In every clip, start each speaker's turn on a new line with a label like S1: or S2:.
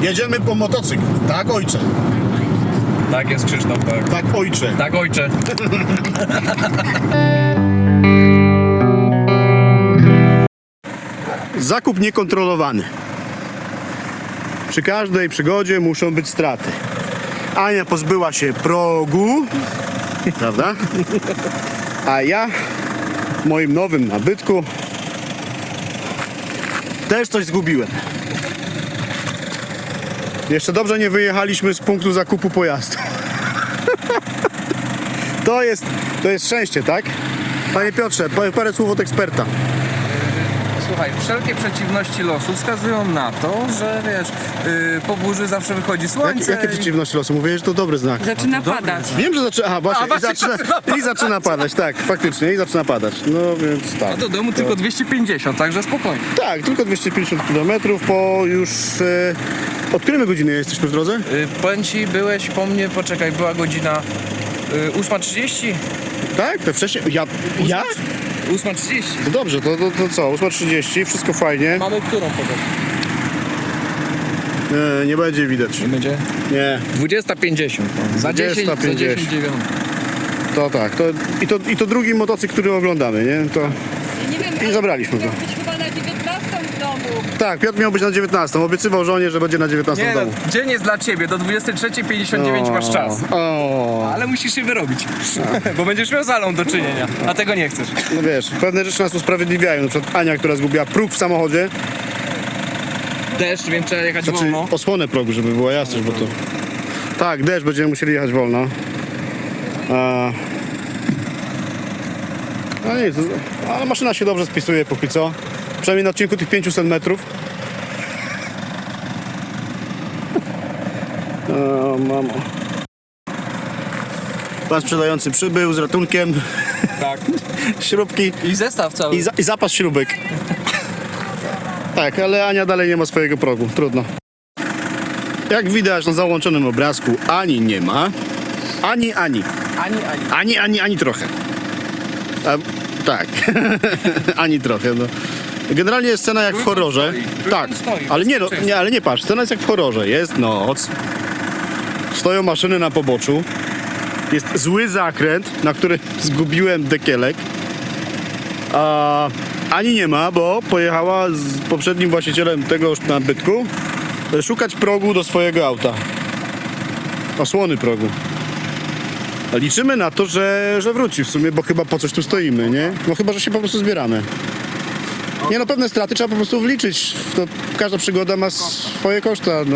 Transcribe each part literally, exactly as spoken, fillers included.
S1: Jedziemy po motocykl. Tak, ojcze.
S2: Tak jest, Krzysztof, tak.
S1: Tak, ojcze.
S2: Tak, ojcze.
S1: Zakup niekontrolowany. Przy każdej przygodzie muszą być straty. Ania pozbyła się progu, prawda? A ja w moim nowym nabytku też coś zgubiłem. Jeszcze dobrze nie wyjechaliśmy z punktu zakupu pojazdu. To jest, to jest szczęście, tak? Panie Piotrze, parę słów od eksperta.
S2: Słuchaj, wszelkie przeciwności losu wskazują na to, że wiesz, yy, po burzy zawsze wychodzi
S1: Jak,
S2: słońce.
S1: jakie
S2: i-
S1: przeciwności losu? Mówię, że to dobry znak.
S3: Zaczyna
S2: dobry
S3: padać.
S2: znak.
S1: Wiem, że zaczyna. Aha, właśnie.
S2: A, właśnie
S1: I, zaczyna,
S2: zaczyna padać.
S1: I zaczyna padać, tak, faktycznie, i zaczyna padać. No więc tak.
S2: A do domu tylko dwieście pięćdziesiąt, także spokojnie.
S1: Tak, tylko dwieście pięćdziesiąt kilometrów po już. E, od której my godziny jesteśmy w drodze?
S2: Yy, powiem ci, byłeś po mnie, poczekaj, była godzina yy, ósma trzydzieści?
S1: Tak? To wcześniej. Ja? ja?
S2: ósma trzydzieści.
S1: To dobrze, to, to, to co? ósma trzydzieści, wszystko fajnie.
S2: Mamy którą pogodę?
S1: Nie, nie będzie widać.
S2: Nie będzie?
S1: Nie,
S2: dwudziesta pięćdziesiąt. Za dziesięć, za
S1: dwudziesta
S2: dziesięć
S1: pięćdziesiąt.
S2: dziewiąta.
S1: to tak. To, i, to, I to drugi motocykl, który oglądamy, nie? To.
S3: Nie wiem,
S1: I zabraliśmy go.
S3: miał być chyba na dziewiętnastą w domu.
S1: Tak, Piotr miał być na dziewiętnastą. Obiecywał żonie, że będzie na dziewiętnastą
S2: Nie
S1: w
S2: no,
S1: domu.
S2: dzień jest dla ciebie, do dwudziestej trzeciej pięćdziesiąt dziewięć masz czas.
S1: O,
S2: Ale musisz się wyrobić, bo będziesz miał z Alą do czynienia, a tego nie chcesz.
S1: no wiesz, pewne rzeczy nas usprawiedliwiają. Na przykład Ania, która zgubiła próg w samochodzie.
S2: Deszcz, więc trzeba jechać
S1: Znaczy
S2: wolno.
S1: osłonę progu, żeby była jasność, bo to... Tak, deszcz, będziemy musieli jechać wolno. A... No nic, ale maszyna się dobrze spisuje póki co. Przynajmniej na odcinku tych pięćset metrów. O, mamo. Pan sprzedający przybył z ratunkiem,
S2: Tak.
S1: śrubki
S2: I zestaw cały.
S1: i, za, i zapas śrubek. Tak, ale Ania dalej nie ma swojego progu, trudno. Jak widać na załączonym obrazku, Ani nie ma. Ani, ani.
S2: Ani, ani.
S1: Ani, ani, ani trochę. A, tak. Ani trochę, no. Generalnie jest scena jak w
S2: Trójkąt
S1: horrorze.
S2: stoi. Trójkąt
S1: Tak,
S2: stoi,
S1: ale nie, no,
S2: bezpieczeństwo.
S1: nie, ale nie patrz, scena jest jak w horrorze. Jest noc. Stoją maszyny na poboczu. Jest zły zakręt, na którym zgubiłem dekielek. A Ani nie ma, bo pojechała z poprzednim właścicielem tegoż nabytku szukać progu do swojego auta. Osłony progu. A liczymy na to, że, że wróci w sumie, bo chyba po coś tu stoimy, nie? No chyba, że się po prostu zbieramy. Nie no, pewne straty trzeba po prostu wliczyć. To każda przygoda ma swoje koszta. No.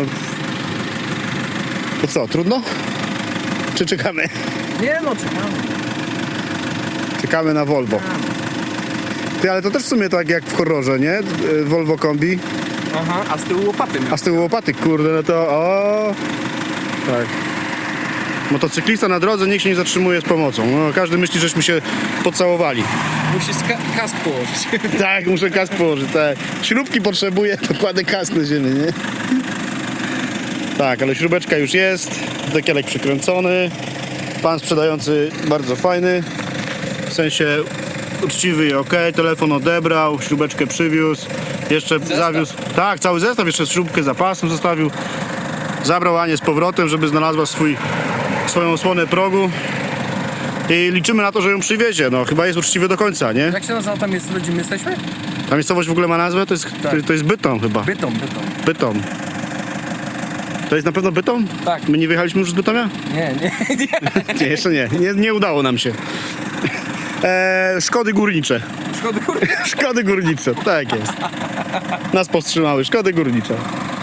S1: To co, trudno? Czy czekamy?
S2: Nie no, czekamy.
S1: Czekamy na Volvo. Ty, ale to też w sumie tak jak w horrorze, nie? Volvo kombi.
S2: Aha, a z tyłu łopaty.
S1: A z tyłu łopaty, kurde, no to o. Tak. Motocyklista na drodze nikt się nie zatrzymuje z pomocą. No, każdy myśli, żeśmy się pocałowali.
S2: Musi ska- kask położyć.
S1: Tak, muszę kask położyć, tak. Śrubki potrzebuję, to kładę kask na ziemię, nie? Tak, ale śrubeczka już jest, dekielek przykręcony. Pan sprzedający bardzo fajny, w sensie uczciwy i ok, telefon odebrał, śrubeczkę przywiózł, jeszcze
S2: Zestaw.
S1: zawiózł, tak, cały zestaw, jeszcze śrubkę zapasem zostawił. Zabrał Anię z powrotem, żeby znalazła swój, swoją osłonę progu i liczymy na to, że ją przywiezie, no chyba jest uczciwy do końca, nie?
S2: Jak się nazywa tam jest, gdzie my jesteśmy?
S1: Ta miejscowość w ogóle ma nazwę? To jest,
S2: Tak.
S1: to, to jest Bytom chyba.
S2: Bytom, Bytom.
S1: Bytom. To jest na pewno Bytom?
S2: Tak.
S1: My nie wyjechaliśmy już z Bytomia?
S2: Nie, nie, nie.
S1: Nie, jeszcze nie. Nie, nie udało nam się. Eee, szkody górnicze.
S2: Szkody, kurde.
S1: Szkody górnicze, tak jest. Nas powstrzymały, szkody górnicze.